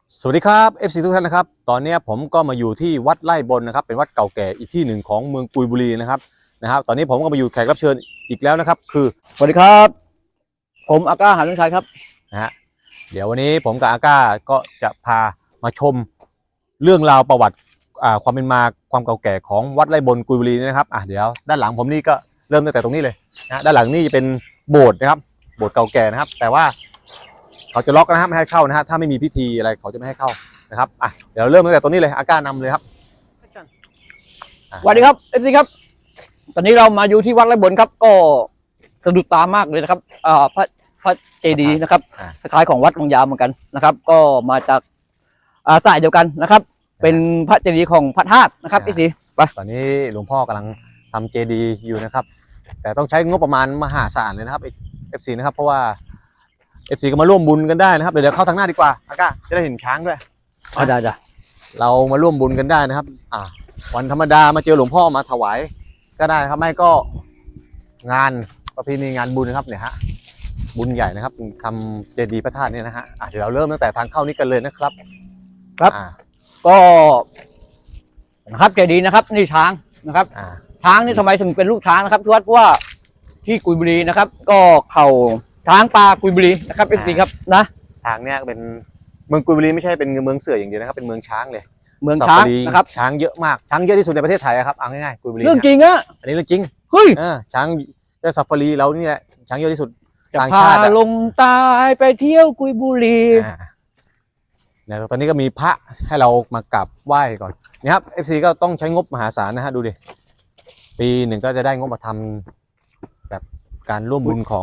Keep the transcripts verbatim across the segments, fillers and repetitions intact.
สวัสดีครับ เอฟ ซี ทุกท่านนะครับตอนนี้ผมก็มาอยู่ที่วัดไร่บนนะครับเป็นวัดเก่าแก่อีกที่หนึ่งของเมืองกุยบุรีนะครับนะครับตอนนี้ผมก็มาอยู่แขกรับเชิญอีกแล้วนะครับคือสวัสดีครับผมอาก้าหาลุงชัยครับนะฮะเดี๋ยววันนี้ผมกับอาก้าก็จะพามาชมเรื่องราวประวัติอ่าความเป็นมาความเก่าแก่ของวัดไร่บนกุยบุรีนะครับอ่ะเดี๋ยวด้านหลังผมนี่ก็เริ่มตั้งแต่ตรงนี้เลยนะด้านหลังนี่จะเป็นโบสถ์นะครับโบสถ์เก่าแก่นะครับแต่ว่าเขาจะล็อกนะครับไม่ให้เข้านะฮะถ้าไม่มีพิธีอะไรเขาจะไม่ให้เข้านะครับอ่ะเดี๋ยวเริ่มตั้งแต่ตรงนี้เลยอาก้านำเลยครับสวัสดีครับเอฟซีครับตอนนี้เรามาอยู่ที่วัดไร่บนครับก็สะดุดตามากเลยนะครับอ่าพระพระเจดีย์นะครับคล้ายของวัดวังยาวเหมือนกันนะครับก็มาจากอ่าสายเดียวกันนะครับเป็นพระเจดีย์ของพระธาตุนะครับเอฟซีไปตอนนี้หลวงพ่อกำลังทำเจดีย์อยู่นะครับแต่ต้องใช้งบประมาณมหาศาลเลยนะครับ เอฟ ซี นะครับเพราะว่า เอฟ ซี ก็มาร่วมบุญกันได้นะครับเดี๋ยวเข้าทางหน้าดีกว่าอาก้าจะได้เห็นช้างด้วยอ๋อได้จ้ะเรามาร่วมบุญกันได้นะครับอ่าวันธรรมดามาเจอหลวงพ่อมาถวายก็ได้ครับไม่ก็งานประเพณีงานบุญนะครับเนี่ยฮะบุญใหญ่นะครับทำเจดีย์พระธาตุเนี่ยนะฮะเดี๋ยวเราเริ่มตั้งแต่ทางเข้านี้กันเลยนะครับครับก็นะครับเจดีย์นะครับนี่ช้างนะครับช้างนี่ทำไมถึงเป็นลูกช้างนะครับเพราะว่าที่กุยบุรีนะครับก็เข่าช้างปลากุยบุรีนะครับเอฟซีครับนะทางเนี้ยเป็นเมืองกุยบุรีไม่ใช่เป็นเมืองเสืออย่างเดียวนะครับเป็นเมืองช้างเลยเมืองช้างนะครับช้างเยอะมากช้างเยอะที่สุดในประเทศไทยครับเอาง่ายๆกุยบุรีเรื่องจริงอะอันนี้เรื่องจริงเฮ้ยช้างเจ้าซาฟารีเรานี่แหละช้างเยอะที่สุดต่างชาติลงตายไปเที่ยวกุยบุรีเนี่ยตอนนี้ก็มีพระให้เรามากราบไหว้ก่อนนี่ครับ เอฟ ซี ก็ต้องใช้งบมหาศาลนะฮะดูดิปีหนึ่งก็จะได้งบมาทำแบบการร่วมบุญของ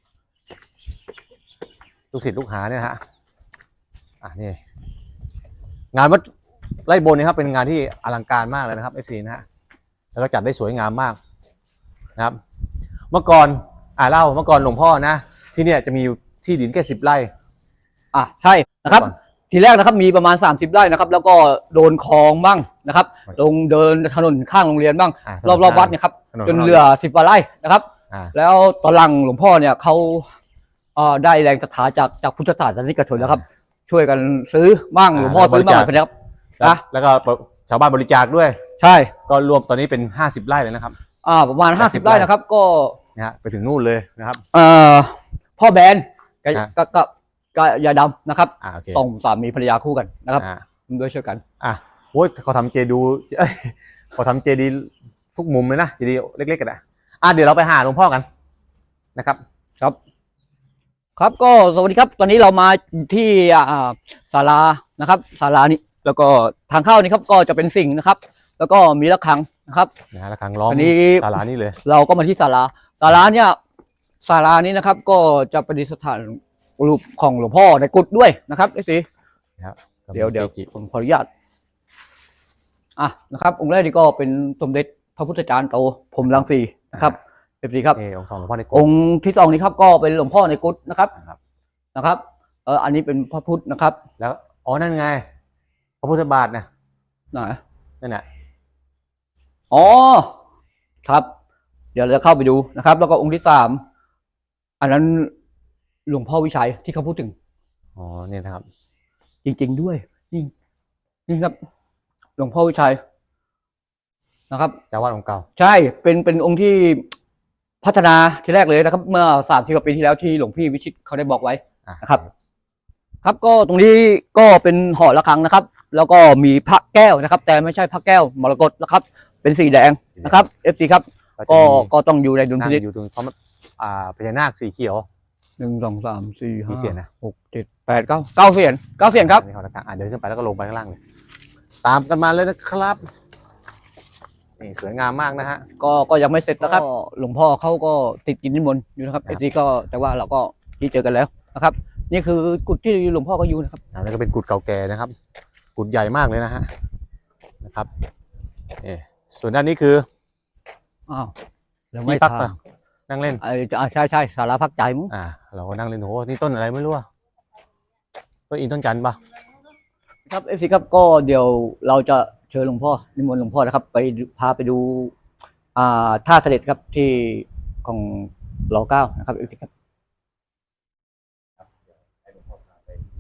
ลูกศิษย์ลูกหาเนี่ยฮะอ่ะนี่งานวัดไร่บนนี่ครับเป็นงานที่อลังการมากเลยนะครับ เอฟ ซี นะฮะแล้วก็จัดได้สวยงามมากนะครับเมื่อก่อนอ่าเล่าเมื่อก่อนหลวงพ่อนะที่เนี่ยจะมีที่ดินแค่สิบไร่อ่ะใช่นะครับทีแรกนะครับมีประมาณสามสิบไร่นะครับแล้วก็โดนคลองบ้างนะครับลงเดินถนนข้างโรงเรียนบ้างรอบรอบวัดเนี่ยครับจนเหลือสิบกว่าไร่นะครับแล้วตอนหลังหลวงพ่อเนี่ยเขาได้แรงศรัทธาจากจากพุทธศาสนิกชนแล้วครับช่วยกันซื้อบ้างหลวงพ่อซื้อบ้างนะครับนะแล้วก็ชาวบ้านบริจาคด้วยใช่ก็รวมตอนนี้เป็นห้าสิบไร่เลยนะครับอ่าประมาณห้าสิบไร่นะครับก็นะฮะไปถึงนู่นเลยนะครับเอ่อพ่อแบนก็ก็ก็ยาดำนะครับต้องสามีภรรยาคู่กันนะครับด้วยช่วยกันอ่ะโอ้ยเขาทำเจดูเขาทำเจดีทุกมุมเลยนะเจดีเล็กๆกันนะอ่ะเดี๋ยวเราไปหาหลวงพ่อกันนะครับครับครับก็สวัสดีครับตอนนี้เรามาที่ศาลานะครับศาลานี้แล้วก็ทางเข้านี่ครับก็จะเป็นสิ่งนะครับแล้วก็มีระฆังนะครับนะระฆังล้อมศาลานี้เลยเราก็มาที่ศาลาศาลาเนี่ยศาลานี้นะครับก็จะประดิษฐานรูปของหลวงพ่อในกุฏด้วยนะครับไอ้สิเดี๋ยวเดี๋ยวผมขออนุญาตอ่ะนะครับองค์แรกนี่ก็เป็นสมเด็จพระพุทธจารย์โตพรหมรังสีนะครับเอฟซีครับองค์สองหลวงพ่อในกุฏองค์ที่สองนี้ครับก็เป็นหลวงพ่อในกุฏนะครับนะครับเอออันนี้เป็นพระพุทธนะครับแล้วอ๋อนั่นไงพระพุทธบาทนะไหนนั่นแหละอ๋อครับเดี๋ยวเราเข้าไปดูนะครับแล้วก็องค์ที่สามอันนั้นหลวงพ่อวิชัยที่เขาพูดถึงอ๋อเนี่ยนะครับจริงๆด้วยนี่นี่ครับหลวงพ่อวิชัยนะครับเจ้าวาดองค์เก่าใช่เป็นเป็นองค์ที่พัฒนาทีแรกเลยนะครับเมื่อสามสิบกว่าปีที่แล้วที่หลวงพี่วิชิตเขาได้บอกไว้นะครับครับก็ตรงนี้ก็เป็นหอระฆังนะครับแล้วก็มีพระแก้วนะครับแต่ไม่ใช่พระแก้วมรกตนะครับเป็นสีแดงนะครับเอฟซีครับก็ก็ต้องอยู่ในดุลพินิจอยู่ตรงเพราะอ่าพญานาคสีเขียวหนึ่งสองสามสี่ห้าเสียนนะหกเจ็ดแปดเก้าเก้าเสียนเก้าเสียนครับนี่เขาตะการเดินขึ้นไปแล้วก็ลงไปข้างล่างเลยตามกันมาเลยนะครับนี่สวยงามมากนะฮะก็ก็ยังไม่เสร็จนะครับหลวงพ่อเขาก็ติดกินนิมนต์อยู่นะครับไอ้ที่ก็แต่ว่าเราก็ที่เจอกันแล้วนะครับนี่คือกุฏที่หลวงพ่อก็อยู่นะครับอันนี้ก็เป็นกุฏเก่าแก่นะครับกุฏใหญ่มากเลยนะฮะนะครับนี่ส่วนด้านนี้คืออ้าวที่พักนั่งเล่นอ่าใช่ใช่ศาลาพักใจมั้งอ่าเราก็นั่งเล่นโหนี่ต้นอะไรไม่รู้อ่ะต้นอินต้นจันทร์ปะครับเอฟซีครับก็เดี๋ยวเราจะเชิญหลวงพ่อนิมนต์หลวงพ่อนะครับไปพาไปดูอ่าท่าเสด็จครับที่ของรอเก้านะครับเอฟซีครับ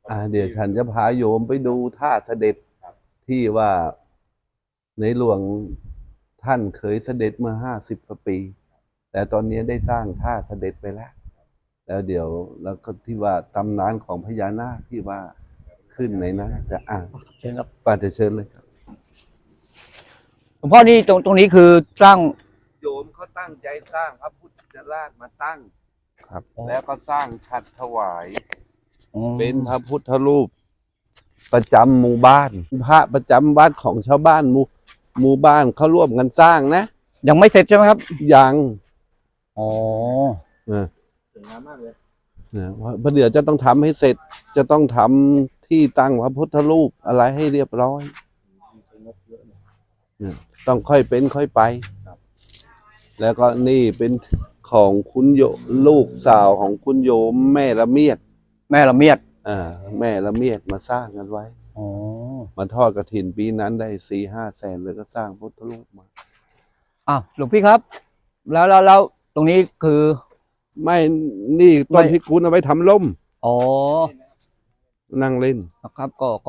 อ่าเดี๋ยวฉันจะพาโยมไปดูท่าเสด็จที่ว่าในหลวงท่านเคยเสด็จเมื่อห้าสิบกว่าปี แต่ตอนนี้ได้สร้างท่าเสด็จไปแล้ว แล้วเดี๋ยวแล้วก็ที่ว่าตำนานของพญานาคที่ว่าขึ้นในนั้นจะอ่านเชิญครับป้าจะเชิญเลยครับหลวงพ่อนี่ตรงตรงนี้คือสร้างโยมเขาตั้งใจสร้างพระพุทธราชมาตั้งครับแล้วก็สร้างฉัตรถวายอ๋อเป็นพระพุทธรูป ประจำหมู่บ้าน พระประจำวัดของชาวบ้านหมู่หมู่บ้านเขาร่วมกันสร้างนะยังไม่เสร็จใช่ไหมครับยังอ๋อเออเนี่ยเพราะเดี๋ยวจะต้องทำให้เสร็จ จะต้องทำที่ตั้งพระพุทธรูปอะไรให้เรียบร้อยเนี่ยต้องค่อยเป็นค่อยไป แล้วก็นี่เป็นของคุณโยลูกสาวของคุณโยมแม่ละเมียดแม่ละเมียดอ่าแม่ละเมียดมาสร้างกันไว้อ๋อมาทอดกฐินปีนั้นได้สี่ห้าแสนเลยก็สร้างพุทธรูปมาอ่ะหลวงพี่ครับ แล้วแล้วแล้วตรงนี้คือไม่นี่ต้นไม่พิกุลเอาไว้ทำล่มอ๋อนั่งเล่นนะครับก็ก็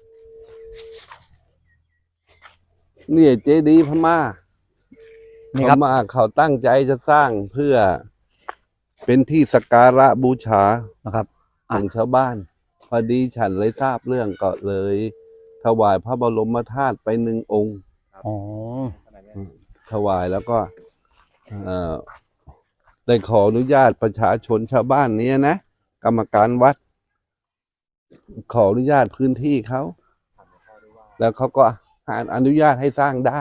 เนี่ยเจดีย์พม่านี่พครับม่าเขาตั้งใจจะสร้างเพื่อเป็นที่สักการะบูชานะครับของชาวบ้าน พอดีฉันเลยทราบเรื่องก็เลย ถวายพระบรมธาตุไปหนึ่งองค์อ๋อถวายแล้วก็เอ่อได้ขออนุญาตประชาชนชาวบ้านเนี้ยนะกรรมการวัด ขออนุญาตพื้นที่เขา แล้วเขาก็อนุญาตให้สร้างได้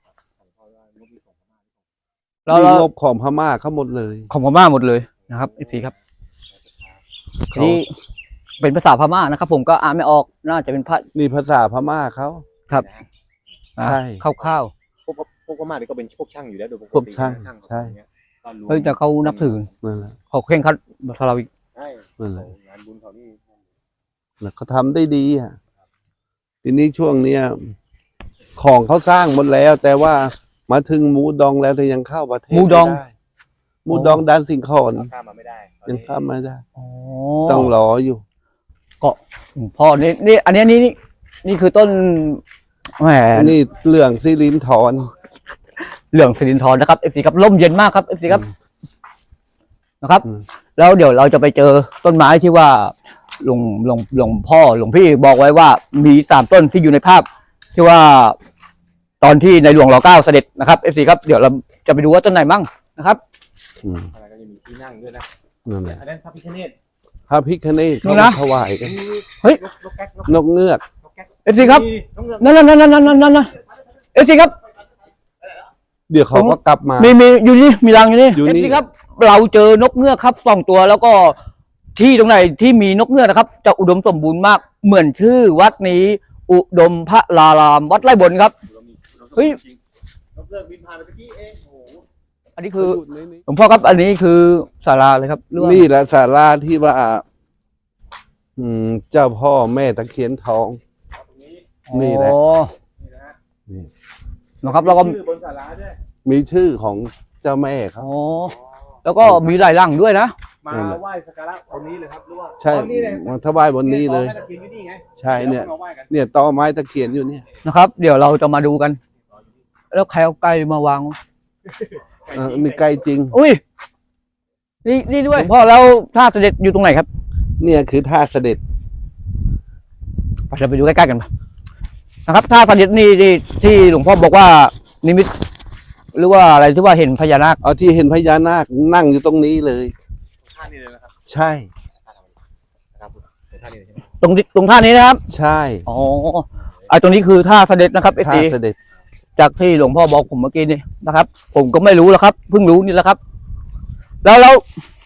แล้วมีแล้วงบของพม่าเขาหมดเลยของพม่าหมดเลยนะครับเอฟซีครับทีนี้เป็นภาษาพม่านะครับ ผมก็อ่านไม่ออกน่าจะเป็นพระนี่ภาษาพม่าเขาครับใช่คร่าวพวกพวกพม่านี่ก็เป็นพวกช่างอยู่แล้วโดยปกติพวกช่างนะใช่เขาอย่างเงี้ยก็รู้ๆเฮ้ยแต่เขานับถือนั่นแหละเขาเคร่งครัดภาษาเราอีกใช่นั่นแหละงานบุญเขานี่แล้วเขาทำได้ดีอ่ะทีนี้ช่วงเนี้ยของเขาสร้างหมดแล้ว แต่ว่ามาถึงหมูดองแล้วแต่ยังเข้าประเทศหมูดองไได้หมูดองดันสิงคอนเราข้ามมาไม่ได้ตอนยังนี้ข้ามไม่ได้อ๋อต้องรออยู่หลวงพ่อนี่นี่อันนี้นี่นี่นี่คือต้นแหมนี่เรื่องซิลินทอนเหลืองสิรินทรนะครับเอฟซีครับร่มเย็นมากครับเอฟซีครับนะครับอืมแล้วเดี๋ยวเราจะไปเจอต้นไม้ที่ว่าหลวงหลวงหลวงพ่อหลวงพี่บอกไว้ว่ามีสามต้นที่อยู่ในภาพ ที่ว่าตอนที่ในหลวงรอเก้าเสด็จนะครับเอฟซีครับเดี๋ยวเราจะไปดูว่าต้นไหนบ้างนะครับอืมอะไรก็จะมีที่นั่งด้วยนะนั่นแหละอันนั้นพระพิฆเนศพระพิคเนตนี่เขานะถวายกันเฮ้ยนกแก๊กนกเงือกนกแก๊กเอฟซีครับน้องเงือกนั่นนั่นนั่นนั่นนั่นนั่นนั่นเอฟซีครับเดี๋ยวเขาก็กลับมามีมีอยู่นี่มีรังอยู่นี่อยู่นี่เอฟซีครับ เราเจอนกเงือกครับสองตัวแล้วก็ที่ตรงไหนที่มีนกเงือกนะครับ จะอุดมสมบูรณ์มากเหมือนชื่อวัดนี้ อุดมพระลารามวัดไร่บนครับ เฮ้ยนกเงือกบินผ่านไปเมื่อกี้เองโอ้โหอันนี้คือหลวงพ่อครับ อันนี้คือศาลาเลยครับหรือว่านี่แหละศาลาที่ว่า อืม เจ้าพ่อแม่ตะเคียนทอง นี่แหละอ๋อนี่นะฮะนี่นะครับแล้วก็ชื่อบนศาลาด้วยมีชื่อของเจ้าแม่ครับอ๋อแล้วก็มีหลายรังด้วยนะมานั่นแหละไหว้สักการะตรงนี้เลยครับหรือว่าใช่อ๋อนี่เลยมาถวายบนนี้เลยแม่ตะเคียนอยู่นี่ไงใช่เนี่ยแล้วก็มาไหว้กันเนี่ยตอไม้ตะเคียนอยู่เนี่ยนะครับ เดี๋ยวเราจะมาดูกัน แล้วใครเอาไก่มาวางเออนี่ใกล้จริงอุ้ยนี่นี่ด้วยหลวงพ่อแล้วท่าเสด็จอยู่ตรงไหนครับเนี่ยคือท่าเสด็จไปเราไปดูใกล้ๆกันนะครับท่าเสด็จนี่ที่ที่หลวงพ่อบอกว่านิมิต หรือว่าอะไรที่ว่าเห็นพญานาคเอาที่เห็นพญานาคนั่งอยู่ตรงนี้เลยท่านี้เลยนะครับใช่นะครับท่านี้เลยใช่ไหมตรงที่ตรงท่านี้นะครับใช่อ๋อไอ้ตรงนี้คือท่าเสด็จนะครับเอฟท่าซีเสด็จจากที่หลวงพ่อบอกผมเมื่อกี้นี่นะครับ ผมก็ไม่รู้แล้วครับเพิ่งรู้นี่แหละครับ แล้วแล้ว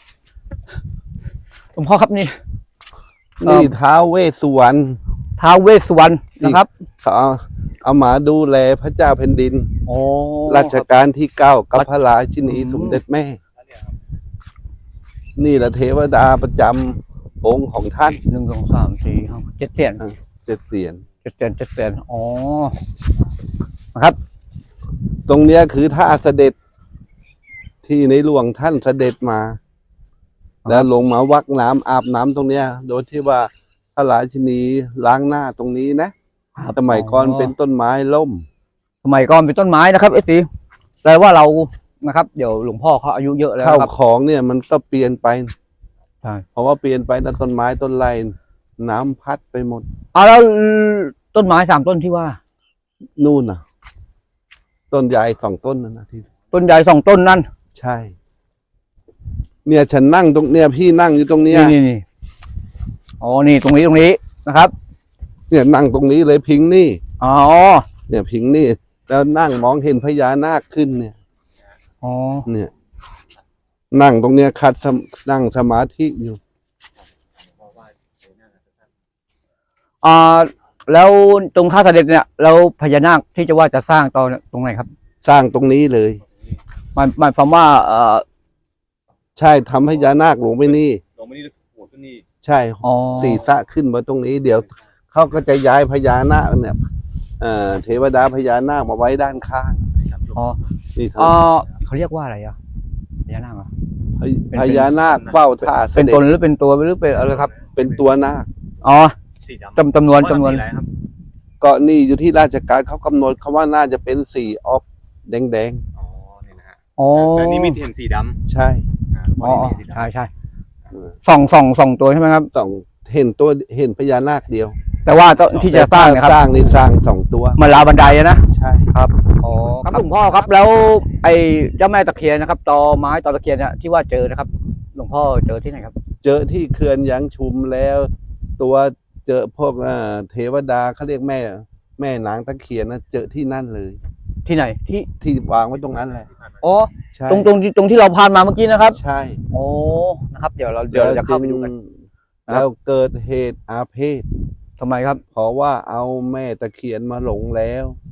หลวงพ่อครับนี่นี่ท้าวเวสสุวรรณท้าวเวสสุวรรณนะครับเขาเอาเอามาดูแลพระเจ้าแผ่นดินโอ้รัชกาลที่เก้ากับพระราชินีสมเด็จแม่ นี่แหละเทวดาประจำองค์ของท่านหนึ่งสองสามสี่ห้าเจ็ดเสียนเจ็ดเสียนเจ็ดเสียนเจ็ดเสียนอ๋อนะครับตรงเนี้ยคือท่าเสด็จ ที่ในหลวงท่านเสด็จมา แล้วลงมาวักน้ำอาบน้ำตรงเนี้ย โดยที่ว่าระราชินีล้างหน้าตรงนี้นะครับ สมัยก่อนเป็นต้นไม้ล่มสมัยก่อนเป็นต้นไม้นะครับเอสซีแปลว่าเรานะครับเดี๋ยวหลวงพ่อเขาอายุเยอะแล้วข้าวครับของเนี่ยมันก็เปลี่ยนไปใช่เพราะว่าเปลี่ยนไปแต่ต้นไม้ต้นไรน้ำพัดไปหมดเอาแล้วต้นไม้สามต้นที่ว่านู่นน่ะ ต้นใหญ่สองต้นนั่นนะที่ต้นใหญ่สองต้นนั่นใช่ เนี่ยฉันนั่งตรงเนี่ยพี่นั่งอยู่ตรงเนี้ยนี่นี่นี่อ๋อนี่ตรงนี้ตรงนี้นะครับเนี่ยนั่งตรงนี้เลยพิงนี่อ๋อเนี่ยพิงนี่ แล้วนั่งมองเห็นพญานาคขึ้นเนี่ยอ๋อเนี่ย นั่งตรงเนี้ยคัดสมนั่งสมาธิอยู่อ่าแล้วตรงท่าเสด็จเนี่ยแล้วพญานาคที่จะว่าจะสร้างตอนตรงไหนครับสร้างตรงนี้เลยหมายหมายความว่าเอ่อใช่ทำพญานาคลงไปนี่ลงมานี่หัวขึ้นนี่ใช่อ๋อศีรษะขึ้นมาตรงนี้ เดี๋ยวเขาก็จะย้ายพญานาคเนี่ยเอ่อเทวดาพญานาคมาไว้ด้านข้างอ๋อนี่อ๋อทำเขาเรียกว่าอะไรอ่ะพญานาคเหรอพญพญานาคเฝ้าท่าเสเป็นด็ตจนหรือเป็นตัวหรือเป็นอะไรครับเป็นตัวนาคอ๋อสีดำจำจำนวนจำนวนสีอะไรครับก็นี่อยู่ที่ราชการเขากำหนดเขาว่าน่าจะเป็นสีออกแดงอ๋อนี่นะฮะอ๋อแต่นี่มีเห็นสีดๆ ใช่ำอ่าอ๋อวันนี้มีสีดำใช่ใช่สองสองสองตัวใช่ไหมครับสองเห็นตัวเห็นพญานาคเดียวแต่ว่าต้องที่จะสร้างเนะคสรับร้างนี่สร้างสองตัวเหมาลาบันไดอะนะใช่ครับอ๋อครับหลวงพ่อครับแล้วไอ้เจ้าแม่ตะเคียนนะครับตอไม้ตอตะเคียนเนี่ยที่ว่าเจอนะครับ หลวงพ่อเจอที่ไหนครับเจอที่เขื่อนยางชุมแล้ว ตัวเจอพวกเอ่อเทวดาเขาเรียกแม่ แม่นางตะเคียนนะเจอที่นั่นเลยที่ไหนที่ที่วางไว้ตรงนั้นแหละอ๋อใช่ตรงตรงที่ตรงที่เราผ่านมาเมื่อกี้นะครับใช่โอ้นะครับ เดี๋ยวเราเดี๋ยวเราจะเข้าไปดูกัน ครับแล้วเกิดเหตุอาเพศทำไมครับเพราะว่าเอาแม่ตะเคียนมาหลงแล้ว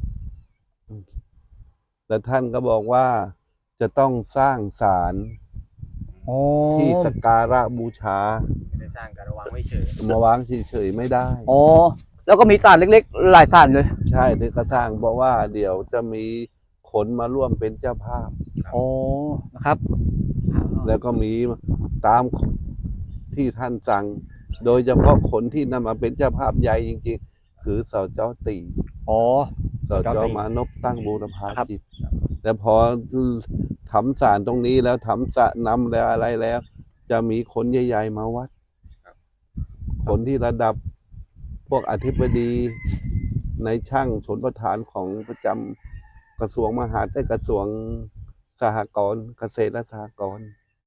แล้วท่านก็บอกว่าจะต้องสร้างศาลโอ้ที่สักการะบูชาไม่ได้สร้างการระวังไว้เฉยมาวางเฉยๆไม่ได้โอ้แล้วก็มีศาสตร์เล็กๆ หลายศาสตร์เลยใช่ที่ก็สร้างบอกว่าเดี๋ยวจะมีคนมาร่วมเป็นเจ้าภาพโอ้นะครับแล้วก็มีตามที่ท่านสั่ง โดยเฉพาะคนที่นำมาเป็นเจ้าภาพใหญ่จริงๆ คือสจตีโอ้สจมานพตั้งบูรพาครับจิตแต่พอทำศาลตรงนี้แล้วทำสระนำแล้วอะไรแล้ว จะมีคนใหญ่ๆมาวัด คนที่ระดับพวกอธิบดีในช่างชนประธานของประจำกระทรวงมหาดไต้กระทรวงสหกรณ์เกษตรและสหกรณ์